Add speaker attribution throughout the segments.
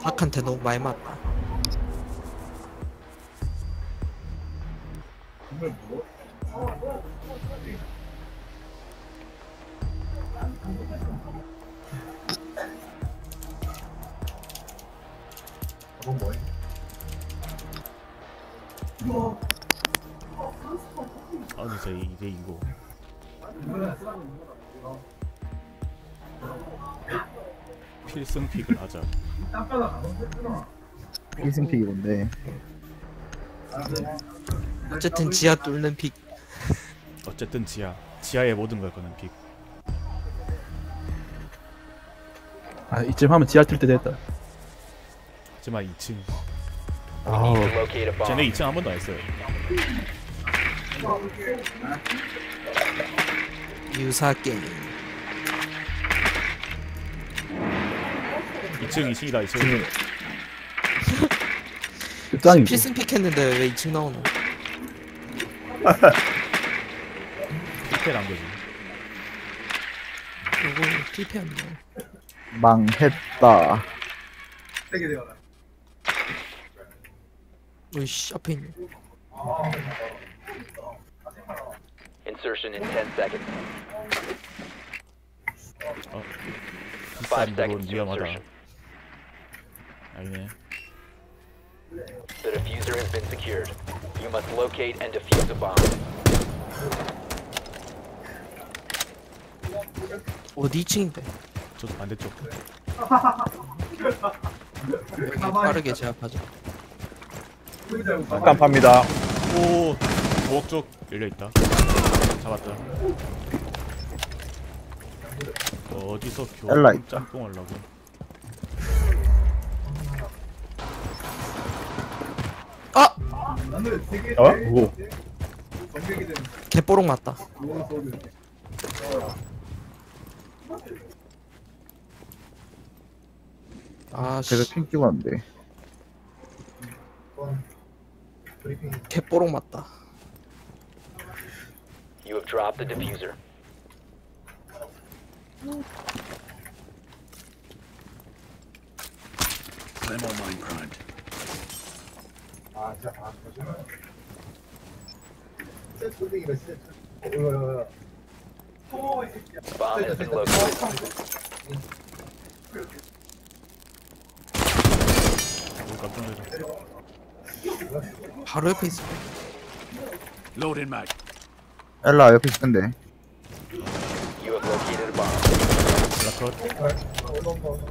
Speaker 1: 닭한테 너무 많이 맞다.
Speaker 2: 아니 진짜 이게 이거 필승픽을 하자.
Speaker 3: 필승픽이 뭔데?
Speaker 1: 어쨌든 지하 뚫는 픽.
Speaker 2: 어쨌든 지하에 모든 걸 거는 픽.
Speaker 3: 아 이쯤 하면 지하 뜰 때 됐다.
Speaker 2: 하지만 2층
Speaker 3: 아우
Speaker 2: 쟤네 2층 한 번도 안 했어요.
Speaker 1: 유사 게임.
Speaker 2: 2층이다 2층.
Speaker 3: 짱이지.
Speaker 1: 필승 픽 했는데 왜 2층 나오노?
Speaker 2: 필패란 거지.
Speaker 1: 이거 필패였네.
Speaker 3: 망했다.
Speaker 1: 으이씨 앞에 있네.
Speaker 4: Insertion in 10 seconds.
Speaker 2: 비싼
Speaker 4: 5
Speaker 2: 건
Speaker 4: seconds to
Speaker 2: 위험하다.
Speaker 4: insertion.
Speaker 2: 아니네.
Speaker 4: The diffuser has been secured. You must locate and defuse the bomb.
Speaker 1: 어디 2층인데?
Speaker 2: 저도 반대쪽.
Speaker 1: 여기 빠르게 제압하자.
Speaker 3: 깜팝니다.
Speaker 2: 오 부엌 쪽 열려있다. 잡았다. 어디서
Speaker 3: 엘라
Speaker 2: 겨우
Speaker 3: 있다.
Speaker 2: 짬뽕 하려고.
Speaker 1: 아!
Speaker 3: 어? 뭐?
Speaker 1: 개뽀록 맞다. 아
Speaker 3: 제가
Speaker 1: 씨.
Speaker 3: 핑 찍었는데.
Speaker 1: 개뽀록 맞다.
Speaker 4: You have dropped the diffuser. Bomb has been located.
Speaker 2: 오 깜짝 놀랐어.
Speaker 1: 바로 옆에 있어.
Speaker 3: 엘라 옆에 있을 텐데.
Speaker 4: You have located a bomb.
Speaker 2: 블라컷.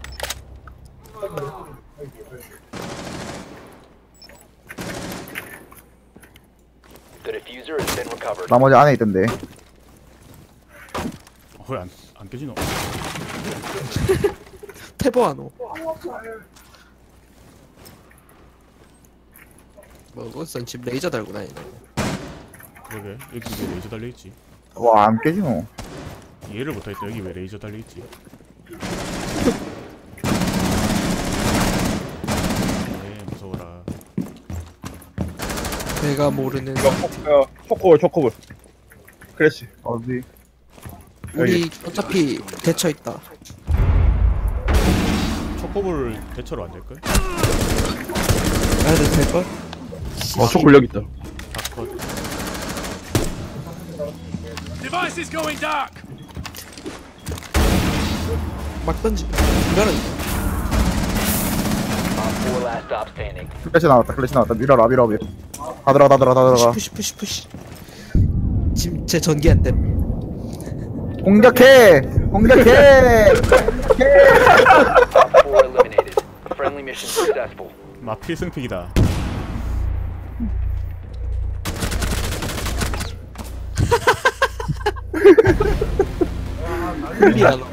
Speaker 4: The diffuser has been recovered.
Speaker 3: 나머지 안에 있던데.
Speaker 2: 왜안 깨지노?
Speaker 1: 태보하노. 뭐 그것은 집 레이저 달고 다니네.
Speaker 2: 그러게 여기 왜 레이저 달려있지?
Speaker 3: 와 안 깨지노.
Speaker 2: 이해를 못하겠다. 여기 왜 레이저 달려있지? 네 무서워라.
Speaker 1: 내가 모르는
Speaker 5: 초코볼 크래쉬.
Speaker 3: 어디?
Speaker 1: 우리 어차피 대처 있다.
Speaker 2: 초코볼 대처로 안 될걸?
Speaker 1: 해도 될걸?
Speaker 5: 초콜 여기 있다.
Speaker 2: 다컷.
Speaker 1: 막 던지. 이거는
Speaker 4: Op 4 last stop standing.
Speaker 3: 클래시 나왔다. 밀어라. 다 들어가.
Speaker 1: 푸시. 지금 제 전기 안 됨.
Speaker 3: 공격해.
Speaker 4: Op 4 eliminated. Friendly mission successful.
Speaker 2: 마 필승픽이다.
Speaker 1: 흘리야 너.